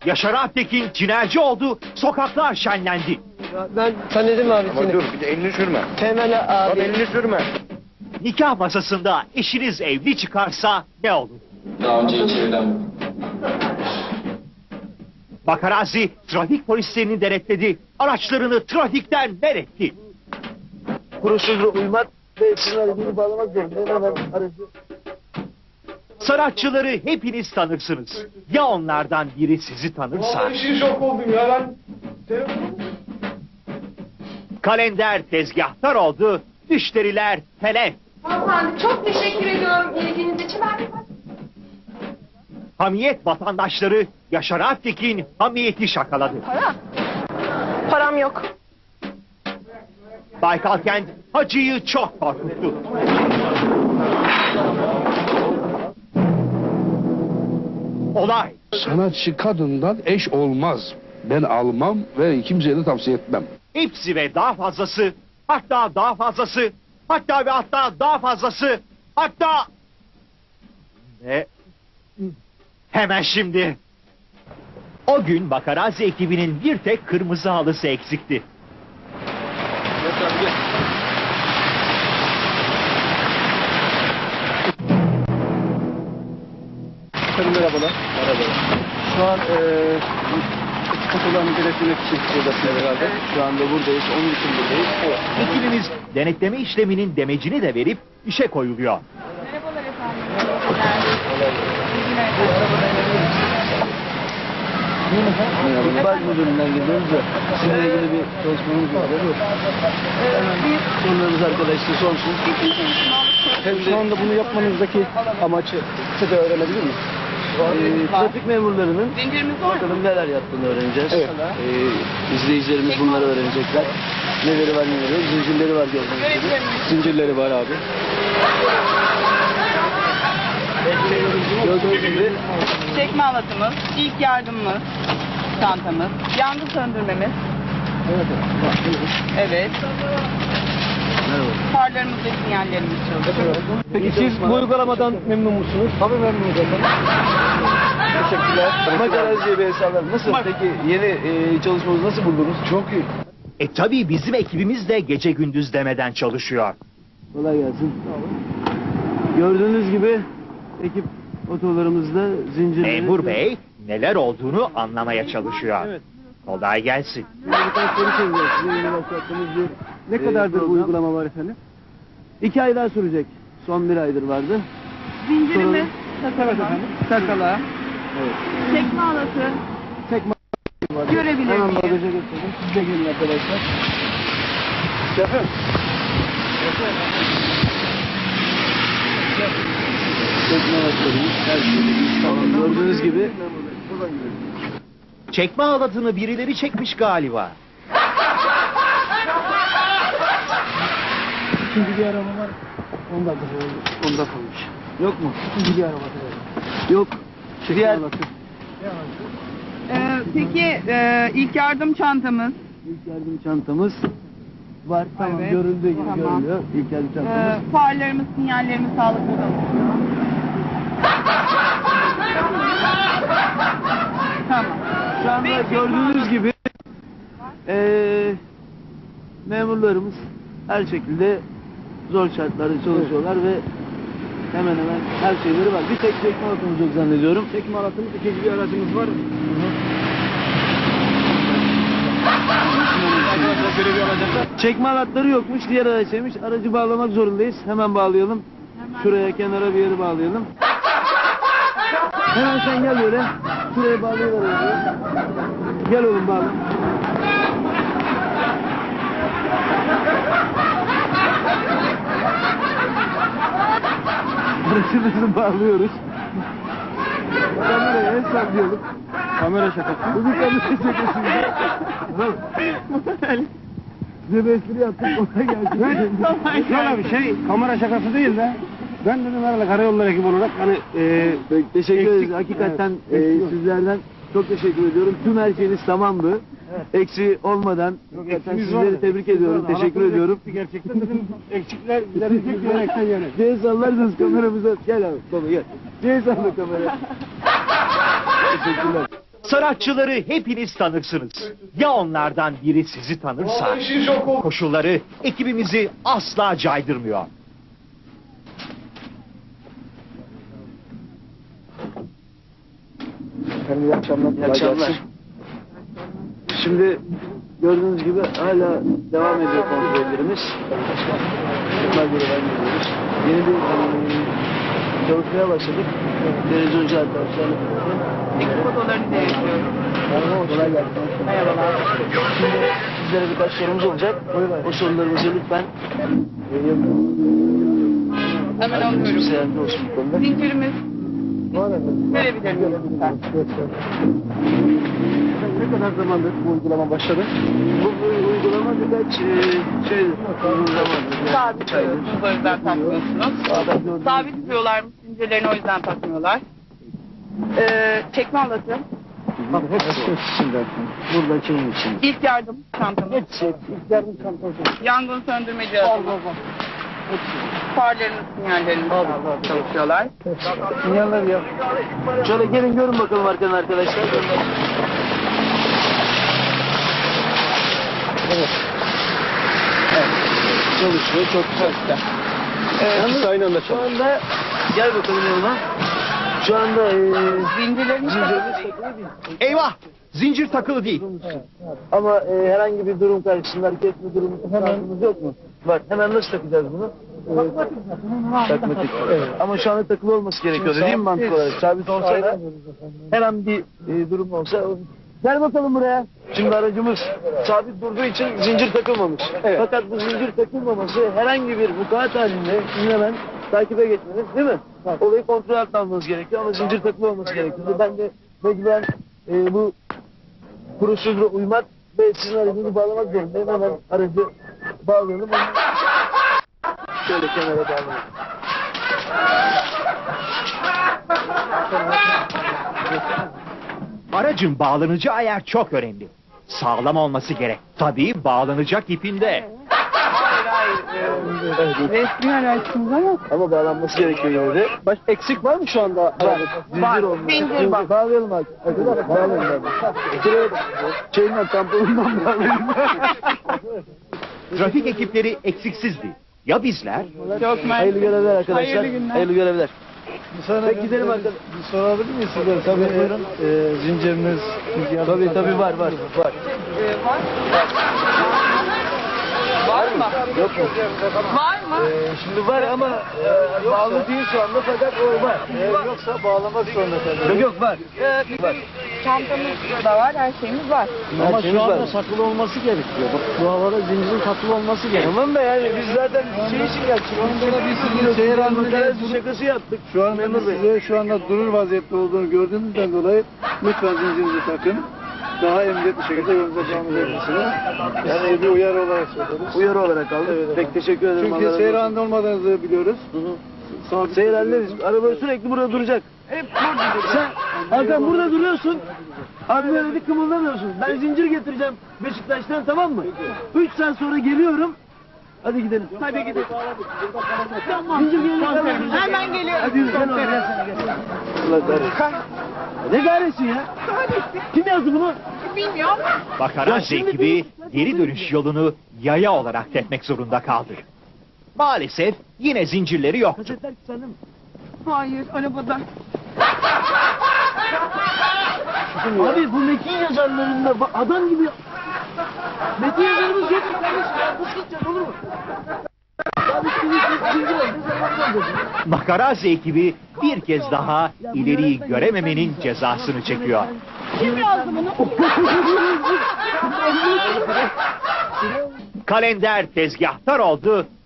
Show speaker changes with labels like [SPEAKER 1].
[SPEAKER 1] Yaşar Alptekin tinerci oldu, sokaklar şenlendi.
[SPEAKER 2] Ben tanıdım abi
[SPEAKER 3] Ama
[SPEAKER 2] seni.
[SPEAKER 3] dur bir de elini sürme.
[SPEAKER 2] Temel
[SPEAKER 3] Bak
[SPEAKER 2] abi.
[SPEAKER 3] elini sürme.
[SPEAKER 1] Nikah masasında eşiniz evli çıkarsa ne olur?
[SPEAKER 4] Daha önce hiç evlenmedim.
[SPEAKER 1] Bakarazi trafik polislerini denetledi, araçlarını trafikten men etti.
[SPEAKER 2] Kuruşuzla uymak ve sizin aracını bağlamak zorundayım. Hemen aracı.
[SPEAKER 1] Sanatçıları hepiniz tanırsınız. Ya onlardan biri sizi tanırsa?
[SPEAKER 3] şok oldum ya lan.
[SPEAKER 1] Kalender tezgahtar oldu, müşteriler telef.
[SPEAKER 5] Hanımefendi çok teşekkür ediyorum ilginiz için.
[SPEAKER 1] Hamiyet vatandaşları Yaşar Alptekin hamiyeti şakaladı.
[SPEAKER 5] Param yok.
[SPEAKER 1] Baykalkent hacıyı çok korkuttu. Olay
[SPEAKER 6] Sanatçı kadından eş olmaz. Ben almam ve kimseye de tavsiye etmem.
[SPEAKER 1] hepsi ve daha fazlası, hatta daha fazlası, hatta ve hatta daha fazlası, hatta... Ne? Hemen şimdi. O gün Bakarazi ekibinin bir tek kırmızı halısı eksikti.
[SPEAKER 2] Merhabalar. Şu an fotoğrafını denetlemek için buradasınız herhalde. Şu anda buradayız. Onun için buradayız. Evet.
[SPEAKER 1] Ekibimiz denetleme işleminin demecini de verip işe koyuluyor.
[SPEAKER 5] Merhabalar efendim.
[SPEAKER 2] Baz müdüründen geliyoruz da sizinle ilgili bir çalışmamız var. Sorularınız arkadaşlar sorsun. Şu anda bunu yapmanızdaki amacı size öğrenebilir miyiz? Trafik memurlarının bakalım neler yaptığını öğreneceğiz. Evet. İzleyicilerimiz bunları öğrenecekler. Neleri var neleri yok. Zincirleri var gördüğünüz gibi. Zincirleri var abi. Gördüğünüz gibi
[SPEAKER 7] Çekme halatımız, ilk yardımımız, çantamız, yangın söndürmemiz. Evet.
[SPEAKER 2] merhaba.
[SPEAKER 7] Farlarımız ve sinyallerimiz çalışıyor.
[SPEAKER 2] Peki siz bu uygulamadan memnun musunuz? Tabii memnunum. Teşekkürler. Makaraziye bir hesaplar. Nasıl? Peki yeni çalışmamızı nasıl buldunuz? Çok iyi.
[SPEAKER 1] Tabii bizim ekibimiz de gece gündüz demeden çalışıyor.
[SPEAKER 2] Kolay gelsin. Gördüğünüz gibi ekip otolarımızda zincirleri...
[SPEAKER 1] Memur Bey neler olduğunu anlamaya çalışıyor.
[SPEAKER 2] Evet.
[SPEAKER 1] Kolay gelsin.
[SPEAKER 2] Ne kadardır bu uygulama var efendim? 2 ay daha sürecek. Son 1 aydır vardı.
[SPEAKER 7] Zincirimiz,
[SPEAKER 2] Evet efendim. Takala. Evet.
[SPEAKER 7] çekme halatı,
[SPEAKER 2] Tekme var.
[SPEAKER 7] Görebilir
[SPEAKER 2] Hemen
[SPEAKER 7] miyim?
[SPEAKER 2] bagaja götürelim. Siz de gelin arkadaşlar. Şefim. Tekme halatlarımız her şeyimiz tamam. Gördüğünüz gibi.
[SPEAKER 1] Çekme halatını birileri çekmiş galiba.
[SPEAKER 2] İkinci bir araba var. 10 dakika oldu. 10 dakika olmuş. Yok mu? İkinci bir araba var. Yok. Diğer...
[SPEAKER 7] Peki ilk yardım çantamız,
[SPEAKER 2] İlk yardım çantamız var. Tamam.
[SPEAKER 7] Evet.
[SPEAKER 2] Görüldüğü gibi
[SPEAKER 7] Tamam.
[SPEAKER 2] görülüyor. İlk yardım çantamız.
[SPEAKER 7] farlarımız, sinyallerimiz sağlıklı çalışıyor. Tamam.
[SPEAKER 2] Şu anda
[SPEAKER 7] Peki,
[SPEAKER 2] gördüğünüz gibi memurlarımız her şekilde zor şartlarda çalışıyorlar ve hemen hemen her şeyleri var. Bir tek çekme halatımız yok zannediyorum. Çekme halatımız, ikinci bir aracımız var. Çekme halatları yokmuş, diğer araçaymış. Aracı bağlamak zorundayız. Hemen bağlayalım. Şuraya kenara bir yere bağlayalım. Hemen sen gel böyle. Şuraya bağlayalım. Gel oğlum bağla. Aracımızı bağlıyoruz. Kameraya el sallayalım. Kamera şakası. Bu bir kamera şakası. Size bir espri yaptık. Ona gelsin.
[SPEAKER 6] Şöyle bir şey, kamera şakası değil de ben dedim herhalde karayolları ekibi olarak hani
[SPEAKER 2] Teşekkür ederiz.
[SPEAKER 6] eksik-
[SPEAKER 2] Hakikaten
[SPEAKER 6] evet, eksik
[SPEAKER 2] sizlerden çok teşekkür ediyorum. Tüm her şeyiniz tamamdı. Eksiği olmadan hakikaten
[SPEAKER 6] eksiğimiz
[SPEAKER 2] sizleri
[SPEAKER 6] vardı.
[SPEAKER 2] tebrik ediyorum.
[SPEAKER 6] Halatımız
[SPEAKER 2] Teşekkür ediyorum.
[SPEAKER 6] eksikti gerçekten dedim eksikler giderecek diyerekten yani.
[SPEAKER 2] Diye sallarsınız kameramıza. Gel abi baba gel. Diye salla kameraya. Teşekkürler.
[SPEAKER 1] Sanatçıları hepiniz tanırsınız. Ya onlardan biri sizi tanırsa, koşulları ekibimizi asla caydırmıyor.
[SPEAKER 2] İyi akşamlar. İyi akşamlar. Şimdi gördüğünüz gibi hala devam ediyor kontrollerimiz. Bunlar göre vermiyoruz. Yeni bir çalışmaya başladık. Televizyoncu arkadaşlarla.
[SPEAKER 7] Ekip odalarını değiştiriyorum.
[SPEAKER 2] Kolay gelsin.
[SPEAKER 7] Merhabalar.
[SPEAKER 2] Şimdi sizlere birkaç sorumuz olacak. O sorularımızı lütfen
[SPEAKER 7] Hemen alıyorum.
[SPEAKER 2] kimse yardımcı olsun bu konuda.
[SPEAKER 7] Zincirimiz verebilir miyim lütfen?
[SPEAKER 2] Ne kadar zamandır bu uygulama başladı? Bu uygulama birkaç uzun zamandır.
[SPEAKER 7] Sabit tutuyorsunuz, o yüzden takmıyorsunuz. Sabit tutuyorlar mı zincirlerini, o yüzden takmıyorlar. Çekme halatı,
[SPEAKER 2] Bak hepsi içinden. Burada kimin için?
[SPEAKER 7] ilk yardım çantamız,
[SPEAKER 2] Hepsi. İlk yardım çantası.
[SPEAKER 7] yangın söndürme cihazımız, farlarımız, sinyallerimiz çalışıyorlar.
[SPEAKER 2] Sinyaller ya. Şöyle gelin görün bakalım arkadan arkadaşlar. Evet. Evet. Çalışıyor. Çok güzel. Yalnız aynı anda şu anda gel bakalım yanıma. Şu anda
[SPEAKER 7] Zincirlerimiz
[SPEAKER 2] zincirimiz takılı değil.
[SPEAKER 1] Eyvah! Zincir takılı değil.
[SPEAKER 2] Ama herhangi bir durum karşısında hareket etme durumu şansımız yok mu? Var. Hemen nasıl takacağız bunu? Takmatik. Evet. Ama şu anda takılı olması gerekiyordu değil mi mantık olarak? Sabit olsa da her an bir durum olsa. Gel bakalım buraya. Şimdi aracımız sabit durduğu için zincir takılmamış. Fakat bu zincir takılmaması herhangi bir vukuat halinde sizin hemen takibe geçmeniz değil mi? Olayı kontrol altına almanız gerekiyor ama zincir takılı olması gerekiyor. Ben de mecburen bu prosedüre uymak ve sizin aracınızı bağlamak zorundayım. Hemen aracı bağlayalım. Şöyle kenara bağlayalım.
[SPEAKER 1] Aracın bağlanacağı yer çok önemli. Sağlam olması gerek. Tabii bağlanacak ipinde.
[SPEAKER 7] resmi araçsınız ama
[SPEAKER 2] Ama bağlanması gerekiyor yine de. Eksik var mı şu anda?
[SPEAKER 7] var. Zincir var.
[SPEAKER 2] Bağlayalım abi. Arkadaşlar bağlayalım abi. Şuraya şeyinden tamponundan bağlayalım.
[SPEAKER 1] Trafik ekipleri eksiksizdi. Ya bizler?
[SPEAKER 7] Çok
[SPEAKER 2] Hayırlı görevler arkadaşlar.
[SPEAKER 7] Hayırlı günler.
[SPEAKER 2] Hayırlı görevler. Peki gidelim arkadaşlar.
[SPEAKER 3] Bir sorabilir miyiz sizden?
[SPEAKER 2] Tabii buyurun.
[SPEAKER 3] Zinciriniz,
[SPEAKER 2] Tabii var.
[SPEAKER 7] var. Var mı?
[SPEAKER 2] Yok mu?
[SPEAKER 7] Var mı?
[SPEAKER 2] Şimdi var ama bağlı değil şu anda fakat o var.
[SPEAKER 3] Yoksa bağlamak zorunda kalıyoruz.
[SPEAKER 2] Yok var.
[SPEAKER 7] Bizim çantamız da var, her şeyimiz var.
[SPEAKER 2] Ama şu anda
[SPEAKER 3] takılı olması gerekiyor. Bak bu havada zincirin takılı olması gerekiyor.
[SPEAKER 2] Tamam da yani biz zaten şey için geldik.
[SPEAKER 3] Şu anda biz sizi seyir halinde
[SPEAKER 2] şakası yaptık.
[SPEAKER 3] Şu anda size şu anda durur vaziyette olduğunu gördüğünüzden dolayı lütfen zincirinizi takın. Daha emniyetli şekilde yolunuza devam edebilirsiniz. Yani bir uyarı olarak söylüyoruz.
[SPEAKER 2] Uyarı olarak aldık.
[SPEAKER 3] Evet.
[SPEAKER 2] Pek teşekkür ederim.
[SPEAKER 3] Çünkü seyir halinde olmadığınızı biliyoruz. Sabit
[SPEAKER 2] Seyir halindeyiz. Araba sürekli burada duracak.
[SPEAKER 7] Hep burada duruyor.
[SPEAKER 2] Sen Hakan burada duruyorsun. Abi böyle bir kımıldamıyorsun. Ben zincir getireceğim Beşiktaş'tan, tamam mı? 3 saat sonra geliyorum. Hadi gidelim.
[SPEAKER 7] Hadi gidelim.
[SPEAKER 2] Zincir geliyor.
[SPEAKER 7] Hemen geliyorum.
[SPEAKER 2] Hadi yürü. Gel oraya, gel sen gel. Allah kahretsin. Ne kahretsin ya? Kim yazdı bunu?
[SPEAKER 7] Bilmiyorum.
[SPEAKER 1] Bakaraz ekibi geri dönüş yolunu yaya olarak tepmek zorunda kaldı. Maalesef yine zincirleri yoktu.
[SPEAKER 2] Kasetler sende mi?
[SPEAKER 7] Hayır, arabada.
[SPEAKER 2] Abi bu metin yazarlarında adam gibi metin yazarımız yok mu kardeşim? Nasıl gideceğiz, olur mu? Abi zincir var. Ne zaman olacak?
[SPEAKER 1] Makarazzi ekibi bir kez daha ileriyi görememenin cezasını çekiyor.
[SPEAKER 7] Kim yazdı bunu?
[SPEAKER 1] Kalender tezgahtar oldu,